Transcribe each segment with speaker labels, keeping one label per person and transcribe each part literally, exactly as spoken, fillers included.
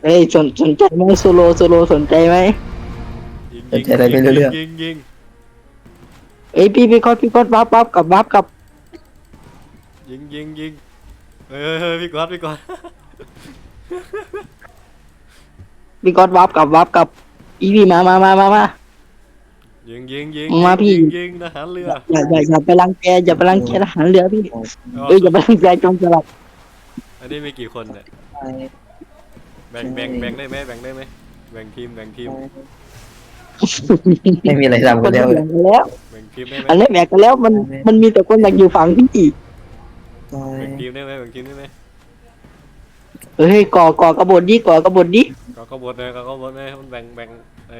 Speaker 1: เฮ้ยสนสนใจไหมโซโลโซโลสนใจไหม
Speaker 2: ยิงยิงยิงยิงยิงยิง
Speaker 1: เอ้ยพี่พี่กอดพี่กอดวับวับกับวับกับ
Speaker 2: ยิงยิงยิงเฮ้ยเฮ้ยพี่กอดพี่กอด
Speaker 1: พี่กอดวับกับวับกับอีพี่มามามามามา
Speaker 2: ยิงยิงยิง
Speaker 1: มาพี่
Speaker 2: ยิงยิงทหารเรือ
Speaker 1: อย่าอย่าอย่าไปรังแกอย่าไปรังแกทหารเรือพี่เอ้ยอย่าไปรังแกโจรสลัด
Speaker 2: อันนี้มีกี่คนเนี่ยแบ่งแบ่งแบ่งได้ไหมแบ่งได้ไหมแบ่งทีมแบ่งทีม
Speaker 3: ไม่มีอะไรทำ
Speaker 1: ค
Speaker 3: กัน น
Speaker 1: แบ่
Speaker 3: แล้ว
Speaker 1: งกันแล้ว
Speaker 2: แบ่งทีมได้ไหม
Speaker 1: อันนี้แบ่งกันแล้วมันมันมีแต่คนอยากอยู่ฝั่งพี่
Speaker 2: แบ่งทีมได้ไหมแบ่งทีมได้ไหม
Speaker 1: เฮ้ยก่อก่อกระบฏดิก่อกระบฏดิ
Speaker 2: ก็ขบวนเลยก็ขบวนเลยมันแบ่งแบ่งไอ้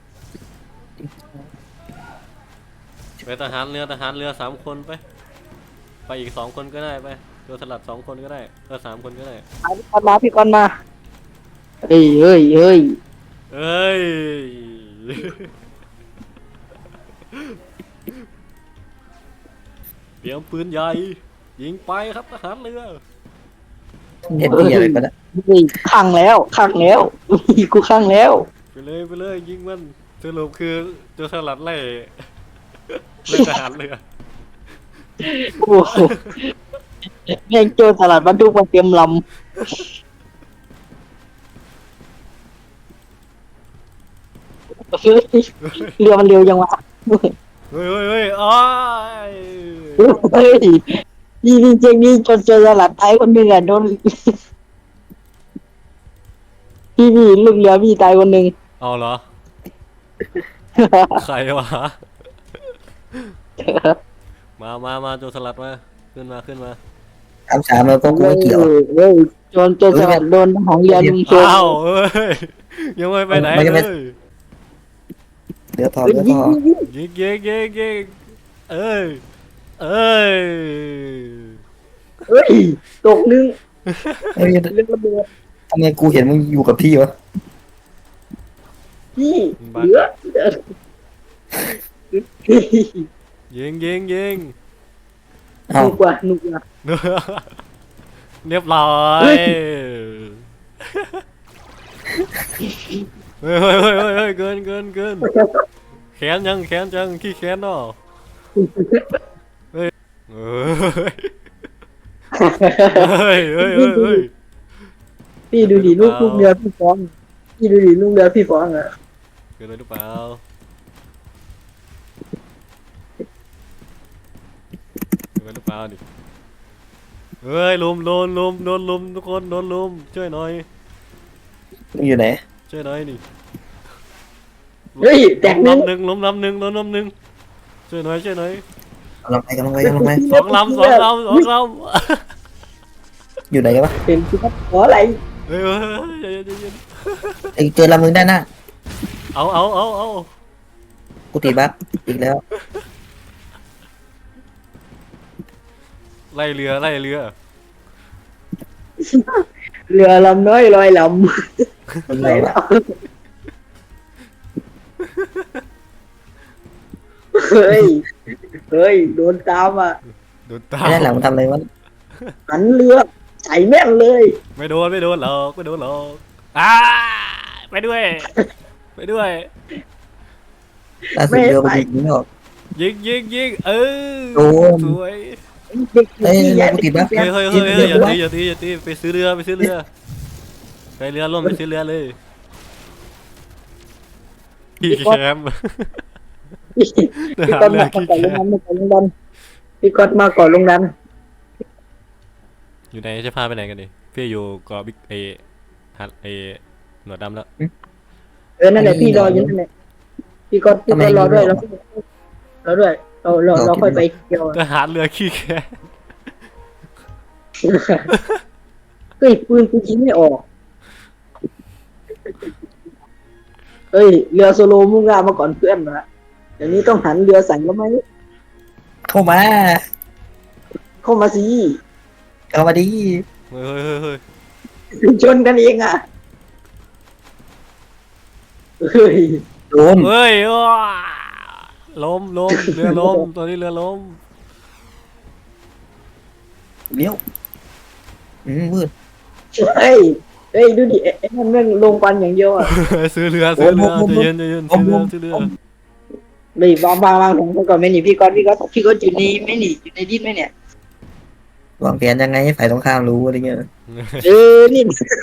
Speaker 2: ไปทหารเรือทหารเรือสามคนไปไปอีกสองคนก็ได้ไปตัวสลัดสองคนก็ได้เออสามคนก็ได้
Speaker 1: พี่กอนมาพี่กอนมาเฮ้ยเฮ้ยเฮ้ย
Speaker 2: เอ้ย เตรียมปืนใหญ่ยิงไปครับทหารเรือ
Speaker 3: เห็นที่อะไรก็ได้
Speaker 1: เฮ้ยขังแล้วขังแล้วกูขังแล้ว
Speaker 2: ไปเลยไปเลยยิงมันสรุปคือตัวสลัดไล่ไล่ทหารเรือ
Speaker 1: โอ้โหแม่งโจรสลัดบรรทุกมาเตรียมลำเฮ้ยเรือมันเร็วยังวะ
Speaker 2: เฮ้ยเฮ้ยเฮ้ยอ้าย
Speaker 1: เฮ้ยนี่นี่จริงนี่โจรโจรสลัดไทยคนหนึ่งอ่ะโดนพี่พี่ลูกเรือพี่ตายคนหนึ่ง
Speaker 2: เอาเหรอใครวะมามามาตัวสลัดมาขึ้นมาขึ้นมา
Speaker 3: สามสามแล้วก็กูไม่เกี่ยว
Speaker 1: เฮ้ยโจรโจรสลัดโดนทหารเรือลุมโจร
Speaker 2: อ้าวเอ้ยยังไม่ไปไหนเลย
Speaker 3: เดี๋ยวพอเดี๋ยวพอ
Speaker 2: ยิงยิงยิงยิงเอ้ยเอ้ย
Speaker 1: เฮ้ยตกหนึง
Speaker 3: เฮ้ย
Speaker 1: เรื่องระเบิด
Speaker 3: ทำไมกูเห็นมึงอยู่กับที่วะ
Speaker 1: พี่เหลือ
Speaker 2: ยิงยิงยิง
Speaker 3: เอ้า
Speaker 1: หนุกว่ะหนุกว่ะ
Speaker 2: เรียบร้อยเฮ้ยเฮ้ยเฮ้ยเฮ้ยเกินเกินเกินแขนยังแขนยังขี้แขนเนาะเฮ้ยเฮ้ยเฮ้ยเฮ้ยเฮ้ย
Speaker 1: พี่ดูดิลูกลูกเรือพี่ฟ้องพี่ดูดิลูกเรือพี่ฟ้องอ่ะ
Speaker 2: เกินไปหรือเปล่าเกินไปหรือเปล่าดิเฮ้ยลุมโดนลุมโดนลุมทุกคนโดนลุมช่วยหน่อย
Speaker 3: มึงอยู่ไหน
Speaker 2: ช่วยหน่อยนี่
Speaker 1: เฮ้ยแตกหนึง
Speaker 2: ลำหนึ่งล้มลำหนึ่งล้มลำหนึ่งช่วยหน่อยช่วยหน่อย
Speaker 3: กำลังไปกำลังไปกำลังไป
Speaker 2: สองลำสองลำสองล
Speaker 3: อยู่ไหนกันวะ
Speaker 1: เป็นพี่ครับขออะไร
Speaker 2: ำเฮ้ยเฮ้ยเฮ้ยใจเย็นใจเย็น
Speaker 3: ไอ้เจอลำมึงด้านหน้า
Speaker 2: เอาเอาเอาเอา
Speaker 3: กูติดบั๊กอีกแล้ว
Speaker 2: ไล่เรือไล่เรือ
Speaker 1: เรือลำน้อยลอยล
Speaker 3: มึง
Speaker 1: ำไหน
Speaker 3: เหรอ
Speaker 1: แล้วเฮ้ยเฮ้ยโดนตามอ่ะ
Speaker 2: โดนตา
Speaker 3: ไอ้ด้านหลังมันทำอะไรวะ
Speaker 1: หันเรือใส่แม่นเลย
Speaker 2: ไม่โดนไม่โดนหรอกไม่โดนหรอกอ้าไปด้วยไปด้วย
Speaker 3: ล่าสุดเรือมันยิงไม่ออก
Speaker 2: ยิงยิงยิงเออ
Speaker 3: โดน
Speaker 2: สวย
Speaker 1: เด็ก
Speaker 3: เอ้ย
Speaker 1: ที่
Speaker 3: เรือกูติดบั๊ก
Speaker 2: เฮ้ยเฮ้ยเฮ้ยเฮ้ยอย่าตีอย่าตีอย่าตีไปซื้อเรือไปซื้อเรือไปเรือร่วมไปซื้อเรือเลยพี่แคมป์
Speaker 1: พี่กอดมาก่อนลงน้ำมาก่อนลงน้ำพี่กอดมาก่อนลงน้
Speaker 2: อยู่ไหนจะพาไปไหนกันดิพี่อยู่เกาะบิ๊กเอฮัทเอหนวดดำแล้ว
Speaker 1: ำเออนั่นแหละพี่รออยู่นั่นแหละพี่กอดพี่กอดรอด้วยแล้วรอด้วยเราเราเราค่อยไปเที่ยว
Speaker 2: ทหารเรือขี้แค
Speaker 1: เฮ้ยปืนกูยิงไม่ออกเฮ้ยเรือโซโลมุ่งหน้ามาก่อนเพื่อนนะเดี๋ยวนี้ต้องหันเรือใส่แล้วไหม
Speaker 3: เข้ามา
Speaker 1: เข้ามาสิ
Speaker 3: เข้ามาดิ
Speaker 2: เฮ้ยเฮ้ยเฮ้ยเฮ้ย
Speaker 1: ชนกันเองอ่ะเฮ้ย
Speaker 3: โดน
Speaker 2: เฮ้ยว้าล้มล้มเรือล้มตอนนี้เรือล้ม
Speaker 3: เลี้ยวอืมมืด
Speaker 1: เฮ้ยเฮ้ยดูดิไอ้นั่นแม่งลงปันอย่างเดียวอ่ะ
Speaker 2: ซื้อเรือซื้อเรือใจเย็นใจเย็นซื้อเรือซื้อเรือ
Speaker 1: เลยวางวางวางผมก่อนไม่หนีพี่ก๊อตพี่ก๊อตพี่ก๊อตอยู่ในไม่หนีอยู่ในดิ้นไหมเนี่ย
Speaker 3: วางแผนยังไงให้ฝ่ายตรงข้ามรู้อะไรเงี้ย
Speaker 1: เออนี่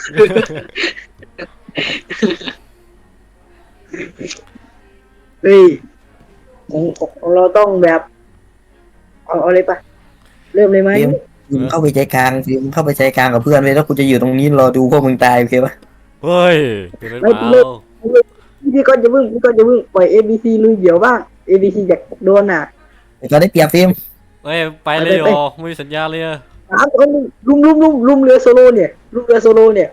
Speaker 1: เฮ้ยของของเราต้องแบบเอาเอาเลยปะเริ่มเลยไหม
Speaker 3: ฟิล์มมึงเข้าไปใจกลางฟิล์มเข้าไปใจกลางกับเพื่อนเลยแล้วกูจะอยู่ตรงนี้รอดูพวกมึงตายโอเคปะ
Speaker 2: เฮ้ยเป็นเปล่า
Speaker 1: พี่ก๊อตจะพึ่งพี่ก๊อตจะพึ่งปล่อย เอ บี ซี ลุยเดี่ยวบ้าง เอ บี ซี อยากโดนอ่ะ
Speaker 3: เราได้เปรียบฟิล์ม
Speaker 2: เฮ้ยไปเลยเหรอไม่มีสัญญาเลย
Speaker 1: สามคนลุมลุมลุมลุมเรือโซโลเนี่ยลุมเรือโซโลเนี่ย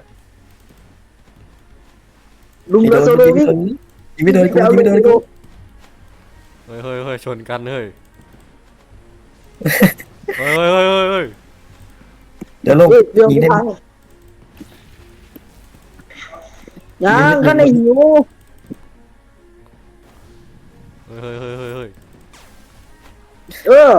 Speaker 1: ลุมเรือโซโลวิ่ง
Speaker 3: ยิงไม่โดนกูยิงไม่โดนกู
Speaker 2: เฮ้ยเฮ้ยเฮ้ยชนกันเฮ้ยเฮ้ยเฮ้ยเฮ้ยเฮ้ยเฮ้ย
Speaker 3: เดี๋ยวลง
Speaker 1: เฮ้ยเรือ
Speaker 3: ยิง
Speaker 1: ไม่
Speaker 3: ได้
Speaker 1: พังยังก็ในหิว
Speaker 2: เฮ้ยเฮ้ยเฮ้ยเฮ้ยเฮ้ย
Speaker 1: เออ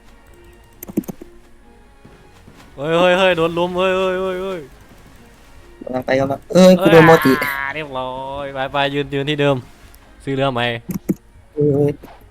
Speaker 2: เฮ้ยเฮ้ยเฮ้ยโดนลุมเฮ้ยเฮ้ยเฮ้ยเฮ้ย
Speaker 3: กำลังไปกำลังเอ้ยกูโดนโมจิ
Speaker 2: อ่าเรียบร้อยไปไปยืนยืนที่เดิมซื้อเรือใหม่
Speaker 3: เออ